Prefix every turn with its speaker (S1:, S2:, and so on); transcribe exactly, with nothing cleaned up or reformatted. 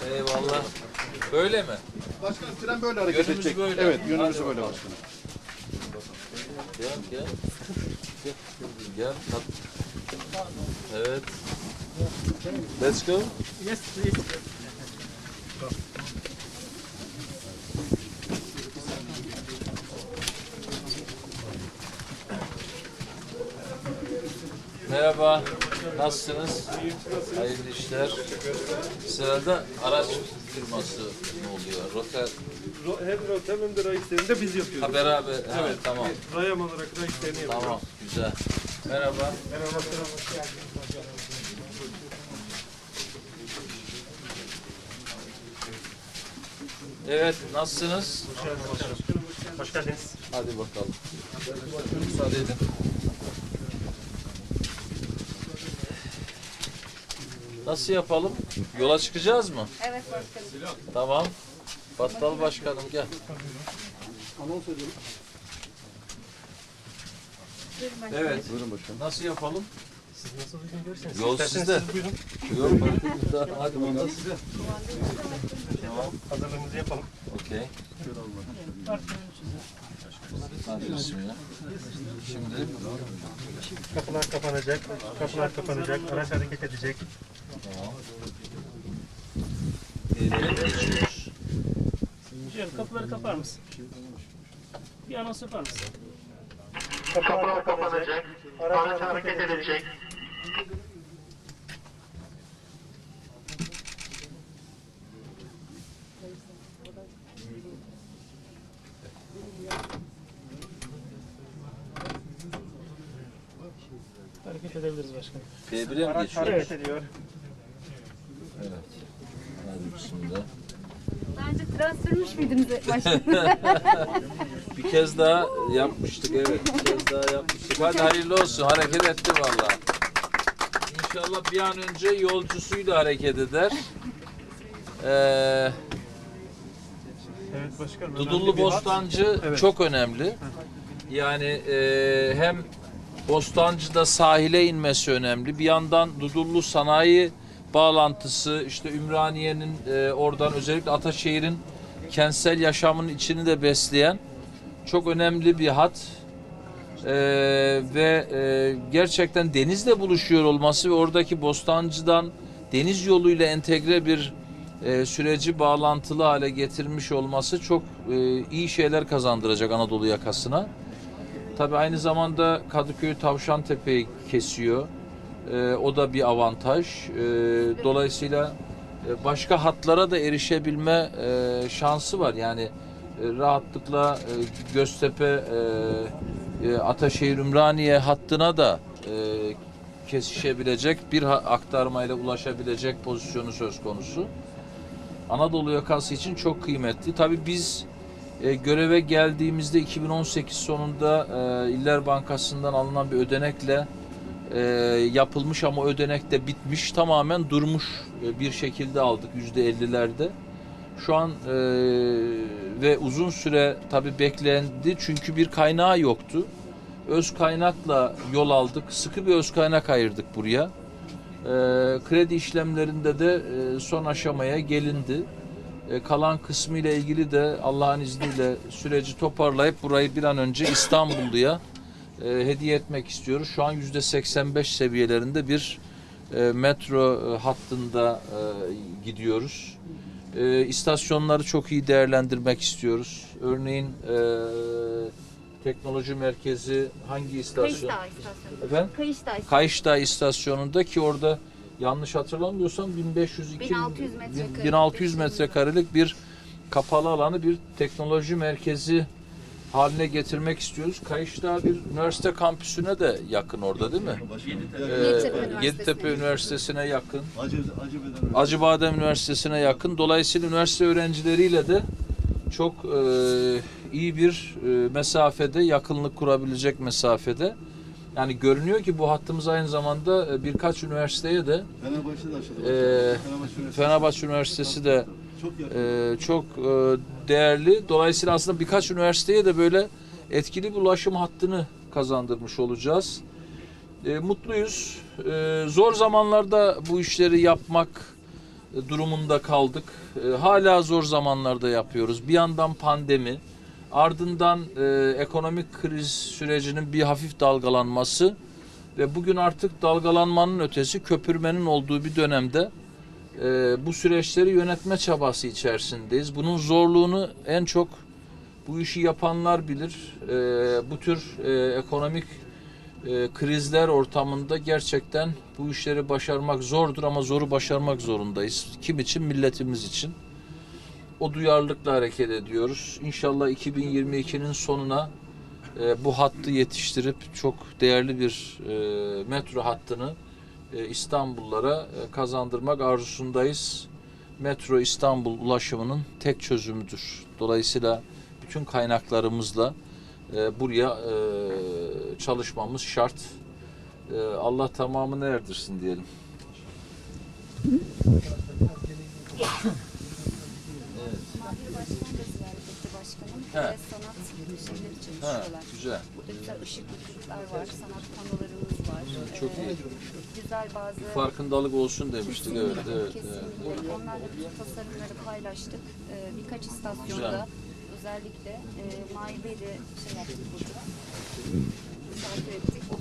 S1: Eyvallah. Böyle mi?
S2: Başkanım tren böyle hareket
S1: Yönümüz
S2: edecek.
S1: böyle.
S2: Evet, yönümüz
S1: Hadi
S2: böyle
S1: bakalım.
S2: başkanım.
S1: Gel gel. Gel. Gel. tat. Evet. Let's go.
S3: Yes, please.
S1: Merhaba. Nasılsınız? Hayırlı işler. Sırada araç firması ne oluyor? Rota
S3: Ro- Hem rotem hem de ray işlerini de biz yapıyoruz.
S1: ha, beraber. Evet, tamam.
S3: Rayam olarak ray işlerini yapıyoruz.
S1: Tamam. Güzel. Merhaba.
S3: Merhaba.
S1: Evet, nasılsınız?
S3: Hoş geldiniz.
S1: Hadi bakalım. Müsaade edin. Nasıl yapalım? Yola çıkacağız mı?
S4: Evet başkanım.
S1: Tamam. Battal başkanım gel.
S2: Anons ediyorum.
S4: Buyurun başkanım.
S1: Evet.
S2: Buyurun başkanım.
S1: Nasıl yapalım?
S3: Siz nasıl uygun görürseniz.
S1: Yol
S3: İsterseniz
S1: sizde.
S3: siz buyurun.
S1: Yok fark etmez. Hadi bakalım. Tamam.
S3: Hazırlığımızı yapalım.
S1: Okey. Hadi bismillah. Şimdi
S3: Kapılar kapanacak. Kapılar kapanacak. Araç hareket edecek.
S1: tamam. Nereye geçiyoruz?
S5: Cem kapıları kapar mısın? Bir anons yapar mısın?
S3: Kapılar kapanacak. Araç hareket edecek.
S5: Hareket edebiliriz başkanım.
S1: B bir'e mi
S3: Araç
S1: geçiyoruz?
S3: hareket ediyor.
S1: Evet. Hadi bismillah.
S4: Daha önce tren sürmüş müydünüz başkanım?
S1: Bir kez daha yapmıştık, evet. Bir kez daha yapmıştık. Hadi hayırlı olsun. Hareket etti vallahi. İnşallah bir an önce yolcusuyla hareket eder. Ee,
S3: Evet başkanım.
S1: Dudullu
S3: önemli bir hat.
S1: Bostancı
S3: Evet.
S1: çok önemli. Yani e, hem Bostancı'da sahile inmesi önemli. Bir yandan Dudullu sanayi bağlantısı, işte Ümraniye'nin e, oradan özellikle Ataşehir'in kentsel yaşamın içini de besleyen çok önemli bir hat. E, ve e, gerçekten denizle buluşuyor olması ve oradaki Bostancı'dan deniz yoluyla entegre bir e, süreci bağlantılı hale getirmiş olması çok e, iyi şeyler kazandıracak Anadolu yakasına. Tabii aynı zamanda Kadıköy Tavşantepe'yi kesiyor. E, o da bir avantaj. E, dolayısıyla e, başka hatlara da erişebilme e, şansı var. Yani e, rahatlıkla e, Göztepe, e, e, Ataşehir, Ümraniye hattına da e, kesişebilecek, bir ha- aktarmayla ulaşabilecek pozisyonu söz konusu. Anadolu yakası için çok kıymetli. Tabii biz e, göreve geldiğimizde iki bin on sekiz sonunda e, İller Bankası'ndan alınan bir ödenekle e, yapılmış ama ödenek de bitmiş, tamamen durmuş e, bir şekilde aldık yüzde ellilerde. Şu an e, ve uzun süre tabii beklendi çünkü bir kaynağı yoktu. Öz kaynakla yol aldık, sıkı bir öz kaynak ayırdık buraya. E, kredi işlemlerinde de e, son aşamaya gelindi. E, kalan kısmı ile ilgili de Allah'ın izniyle süreci toparlayıp burayı bir an önce İstanbulluya e, hediye etmek istiyoruz. Şu an yüzde seksen beş seviyelerinde bir e, metro e, hattında e, gidiyoruz. E, istasyonları çok iyi değerlendirmek istiyoruz. Örneğin e, teknoloji merkezi hangi istasyon?
S4: Kayışdağ istasyonu.
S1: Efendim?
S4: Kayışdağ istasyonu.
S1: Kayışdağ istasyonunda ki orada yanlış hatırlamıyorsam bin beş yüz iki
S4: bin altı yüz metrekare.
S1: bin altı yüz metrekarelik bir kapalı alanı bir teknoloji merkezi haline getirmek istiyoruz. Kayışdağ bir üniversite kampüsüne de yakın orada değil mi? Ee,
S4: Yeditepe Üniversitesi'ne
S1: Yeditepe Üniversitesi'ne yakın.
S2: Acı, acı
S1: Acıbadem Üniversitesi'ne yakın. Dolayısıyla üniversite öğrencileriyle de çok e, iyi bir e, mesafede, yakınlık kurabilecek mesafede. Yani görünüyor ki bu hattımız aynı zamanda e, birkaç üniversiteye de
S2: Fenerbahçe'de açıldı.
S1: e,
S2: Fenerbahçe
S1: Fenerbahçe Üniversitesi de
S2: çok yakın.
S1: e, çok e, değerli. Dolayısıyla aslında birkaç üniversiteye de böyle etkili bir ulaşım hattını kazandırmış olacağız. E, mutluyuz. E, zor zamanlarda bu işleri yapmak e, durumunda kaldık. E, hala zor zamanlarda yapıyoruz. Bir yandan pandemi, ardından e, ekonomik kriz sürecinin bir hafif dalgalanması ve bugün artık dalgalanmanın ötesi köpürmenin olduğu bir dönemde e, bu süreçleri yönetme çabası içerisindeyiz. Bunun zorluğunu en çok bu işi yapanlar bilir. E, bu tür e, ekonomik e, krizler ortamında gerçekten bu işleri başarmak zordur ama zoru başarmak zorundayız. Kim için? Milletimiz için. O duyarlılıkla hareket ediyoruz. İnşallah iki bin yirmi ikinin sonuna e, bu hattı yetiştirip çok değerli bir e, metro hattını e, İstanbullulara e, kazandırmak arzusundayız. Metro İstanbul ulaşımının tek çözümüdür. Dolayısıyla bütün kaynaklarımızla e, buraya e, çalışmamız şart. E, Allah tamamını erdirsin diyelim.
S4: Mahir Başkan da ziyaret etti başkanım.
S1: He.
S4: Ve sanat şeyleri
S1: Ha,
S4: çalışıyorlar.
S1: güzel.
S4: Burada güzel ışıklıklar var, sanat panolarımız var.
S1: Çok
S4: Ee,
S1: iyi.
S4: Güzel bazı...
S1: Farkındalık olsun demiştik. Evet,
S4: Kesinlikle,
S1: evet,
S4: kesinlikle.
S1: evet.
S4: Onlarla bütün tasarımları paylaştık. Ee, birkaç istasyonda
S1: Güzel.
S4: özellikle e, Mahir Bey de şey yaptık burada. Misafir ettik.